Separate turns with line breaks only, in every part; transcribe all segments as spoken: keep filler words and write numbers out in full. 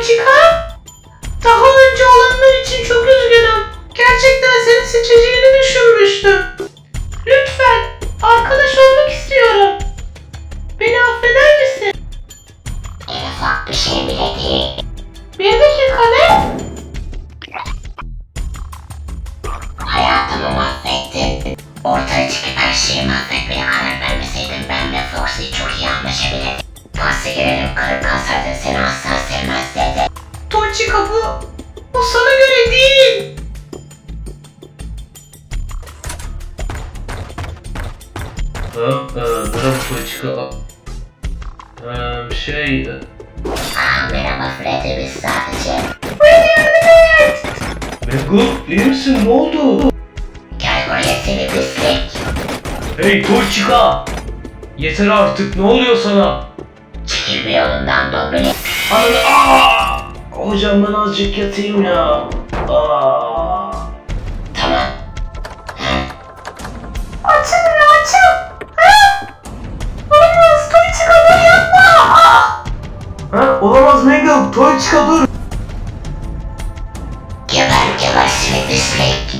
Toychica, daha önce olanlar için çok üzgünüm. Gerçekten seni seçeceğini düşünmüştüm. Lütfen, arkadaş olmak istiyorum. Beni affeder misin?
En ufak bir şey bile değil.
Bir dakika ne?
Hayatımı mahvettin. Ortaya çıkıp her şeyi mahvetmeye karar vermeseydin ben ve Foxy çok iyi anlaşabilirdik. Pasta girelim kırık kalsaydın seni asla sevmezdi.
Toychica bu, bu sana göre değil.
Ha, e, merhaba Toychica. Ee, şey... e,
Ah merhaba Freddy biz sadece.
Mangle, iyi misin? Ne oldu?
Gel buraya seni pislik.
Hey Toychica! Yeter artık, ne oluyor sana?
Çekil bir yolundan Dobrini.
Ananı aaa! Hocam ben azıcık yatayım ya. Aa.
Tamam.
Açın beni açın. Ha? Olamaz Toychica bunu yapma. Aa!
Ha, olamaz Mangle, Toychica dur.
Geber geber seni pislik.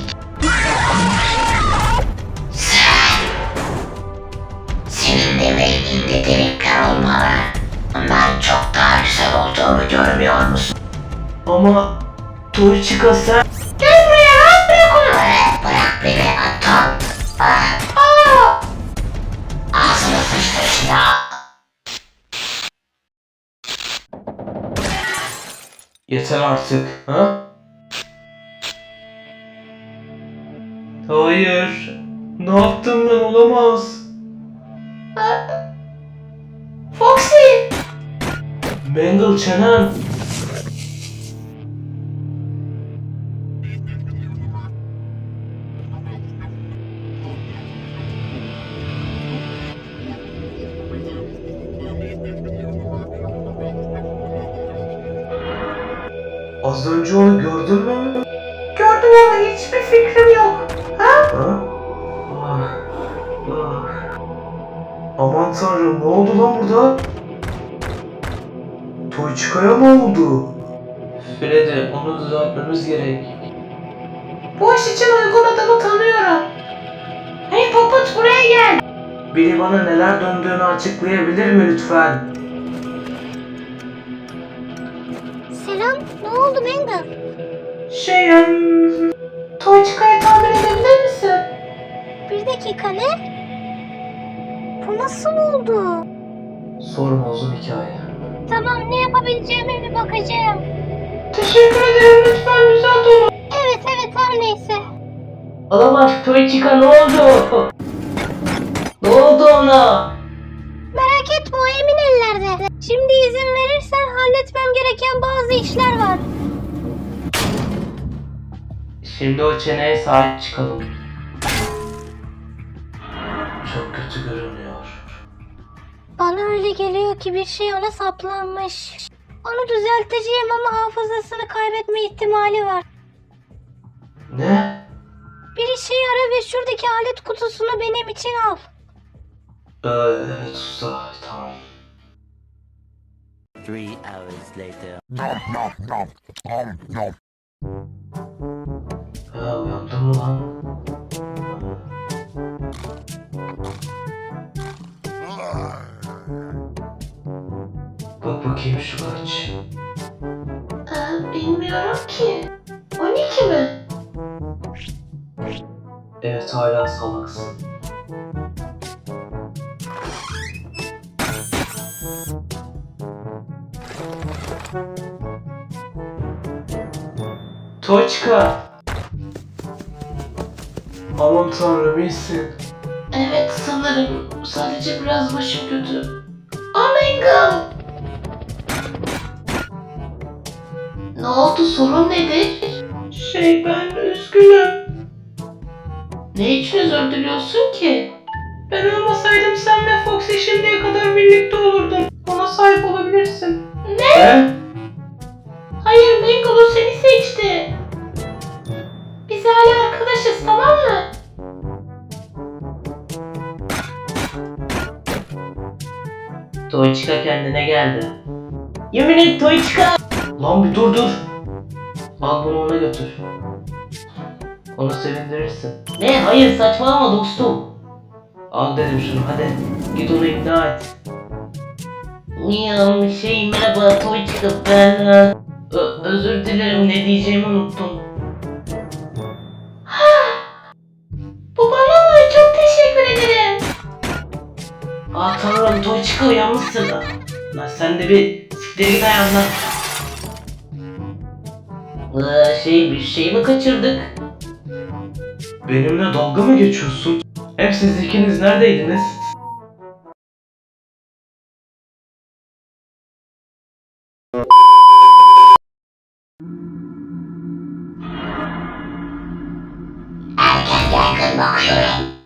Sen. Senin de beyninde delikler olmalı. Ondan çok daha güzel olduğunu görmüyor musun?
Ama Toychica sen...
Gel buraya rahat bırak onu.
Bırak, bırak beni atom. Ah,
Aa!
ağzını sıçtır şuna.
Yeter artık, ha? Hayır. Ne yaptım ben, olamaz.
Foxy.
Mangle çenen. Az önce onu gördün mü?
Gördüm ama hiçbir fikrim yok. Ha?
Ha? Ah, ah. Aman tanrım, ne oldu lan burada? Toychica'ya ne oldu? Freddy, onu düzeltmemiz gerek.
Bu iş için uygun adamı tanıyorum. Hey Poput buraya gel.
Biri bana neler döndüğünü açıklayabilir mi lütfen?
Selam, ne oldu Mangle?
Şey, um, Toychica'yı tamir edebilir misin?
Bir dakika ne? Bu nasıl oldu?
Sorma, uzun hikaye.
Tamam, ne yapabileceğime bir bakacağım.
Teşekkür ederim, lütfen düzelt onu.
Evet evet her neyse.
Olamaz, Toychica ne oldu? Ne oldu ona?
Merak etme o emin ellerde. Şimdi izin verirsen halletmem gereken bazı işler var.
Şimdi o çeneye sahip çıkalım. Çok kötü görünüyor.
Bana öyle geliyor ki bir şey ona saplanmış. Onu düzelteceğim ama hafızasını kaybetme ihtimali var.
Ne?
Bir işe yara ve şuradaki alet kutusunu benim için al.
Ee, evet usta, tamam.
Three hours later.
Ha, uyandın mı lan? Bak bakayım şu kaç.
Ee, bilmiyorum ki. on iki mi?
Evet, hala salaksın. Toychica! Aman tanrım, iyisin.
Evet sanırım. Sadece biraz başım kötü. Oh my god. Ne oldu, sorun nedir? Şey ben üzgünüm. Ne için özür diliyorsun ki? Ben olmasaydım sen ve Foxy şimdiye kadar birlikte olurdun. Ona sahip olabilirsin. Ne?
He?
Hayır Mangle seni seçti. Biz hala arkadaşız tamam mı?
Toychica kendine geldi. Yemin et Toychica! Lan bir dur dur. Al bunu ona götür. Onu sevindirirsin.
Ne? Hayır saçmalama dostum.
Al dedim şunu hadi. Git onu ikna et.
Ya şey merhaba toy çıkıp ben e, ö- özür dilerim ne diyeceğimi unuttum. Bu bana mı? Çok teşekkür ederim.
Aa tanrım toy çıkıyor yanmışsın. Lan sen de bir siktir git ayağımdan.
Ee, şey bir şey mi kaçırdık?
Benimle dalga mı geçiyorsun? Hep siz ikiniz neredeydiniz?
Erken yaygın bakıyorum.